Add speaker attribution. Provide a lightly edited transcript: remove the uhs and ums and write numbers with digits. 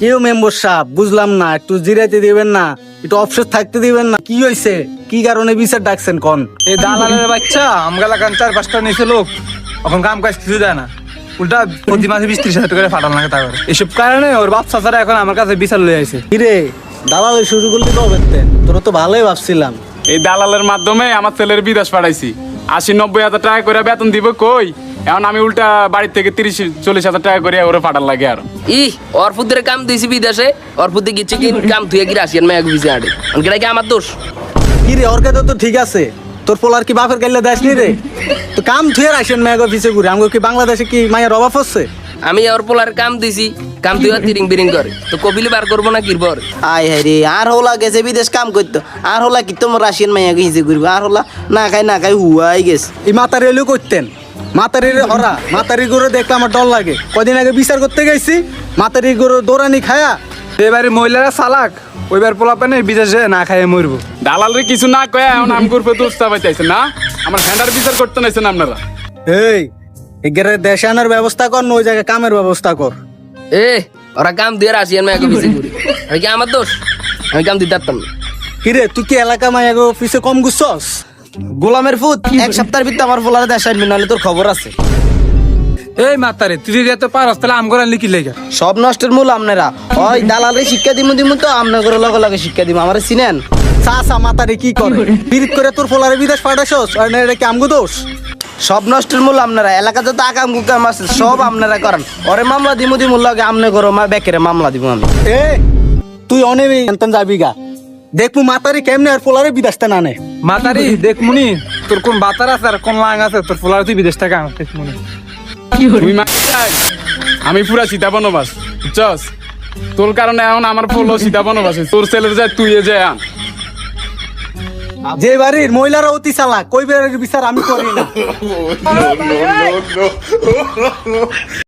Speaker 1: কেউ মেম্বার সাহেব বুঝলাম না, একটু জিরাইতে দিবেন না, একটু অফসেট থাকতে দিবেন না? কি হয়েছে? কি কারণে বিচার ডাকছেন কোন?
Speaker 2: এই দালালের বাচ্চা আমগালা কান 4-5টা নিচে লোক এখন কাম কাজ কিছু দেয় না, উল্টা প্রতি মাসে 20-30 হাজার টাকা ফাটান লাগে টাকা। এসব কারণে ওর বাপ চাচারা এখন আমার কাছে বিচার লয়ে আইছে।
Speaker 1: কিরে দালাল শুরু করলি কবে? তোরা তো ভালোই ভাবছিলাম।
Speaker 3: এই দালালের মাধ্যমে আমার ছেলের বিদেশ পাঠাইছি। 80-90 হাজার টাকা করে বেতন দিব কই, এখন আমি উল্টা বাড়ির থেকে 30-40 হাজার টাকা করে ওরে পাঠার লাগে। আর
Speaker 4: ওর ফুদের কাম দিয়েছি বিদেশে, ওর ফুদে গেছে কি কাম তুই কি রাশিয়ান মায়া ভিসে আড়ে অনকেটা কি আমার দোষ?
Speaker 1: কিরে ওর কাছে তো ঠিক আছে, তোর পোলার কি বাপের গাইলে দেশ নি রে? তো কাম থুয়ে আসেন মেয়ে অফিসে ঘুরে, আমাকে কি বাংলাদেশে কি মায়ের অভাব হচ্ছে?
Speaker 4: আমি ওর পোলার কাম দিছি, কাম তুই তিরিং বিরিং করে তো কপিলি বার করবো না কিরবর?
Speaker 5: আয় হায় রে, আর হোলা গেছে বিদেশ কাম করতো, আর হোলা কি তোমার রাশিয়ান মাইয়াকে হিসে ঘুরবো, আর হোলা না খাই হুয়াই গেছে।
Speaker 1: এই মাতারি এলেও করতেন, মাতারির হরা মাতারি গরু দেখলে আমার ডর লাগে। কদিন আগে বিচার করতে গেছি, মাতারি গরু দৌড়ানি খায়া।
Speaker 2: এবারে মহিলারা চালাক, ওইবার পোলা পানে বিদেশে না খাইয়ে মরবো।
Speaker 3: দালালের কিছু না কয়ে এখন আম করবে দোস্তা পাইতেছে না, আমার হ্যান্ডার বিচার করতে নাইছেন আপনারা।
Speaker 1: এই এগেরে দেশে আনার ব্যবস্থা কর, না ওই জায়গায় কামের ব্যবস্থা কর।
Speaker 4: ওরা কাম দিয়ে রাশিয়ান মায়া ভিসে ঘুরে, আমি কি আমার দোষ? আমি কাম দিতে পারতাম না।
Speaker 1: কিরে তুই কি এলাকা মায়া অফিসে কম গুছছস?
Speaker 5: গোলামের ফুট এক সপ্তাহের ভিতরে আমার পোলারে দেশ আনবি, নাহলে তোর খবর আছে।
Speaker 2: এই মাতারে তুই যদি এত পারস তাহলে আম করার লিখি লেগা।
Speaker 5: সব নষ্টের মূল আপনারা। ওই দালালে শিক্ষা দিমু তো আপনার লগে লগে শিক্ষা দিমু, আমার চিনেন?
Speaker 1: চাচা মাতারি কি করে পিরিত করে তোর পোলারে বিদেশ পাঠাইছস? আর না এটা কি আমগো দোষ?
Speaker 5: সব নষ্টের মূল আপনারা, এলাকা যত আকাম কুকাম আছে সব আপনারা করেন। ওরে মামলা দিমু লগে আমনে করো মা বেকেরে মামলা দিমু আমি।
Speaker 1: এ তুই অনেবি এনতন যাবি গা, দেখবো মাতারি কেমনে আর পোলারে বিদেশতে না নে।
Speaker 2: মাতারি দেখমুনি তোর কোন বাতার আছে আর কোন লাং আছে, তোর পোলার তুই বিদেশ থেকে আন দেখমুনি।
Speaker 3: তুই আমি পুরা সীতা বনবাস বুঝছস, তোর কারণে এখন আমার ফুল সীতা বনবাস, তোর ছেলের যায় তুই যায় আন।
Speaker 1: যে বাড়ির মহিলারা অতি চালাক, কই বাড়ির বিচার আমি করি না।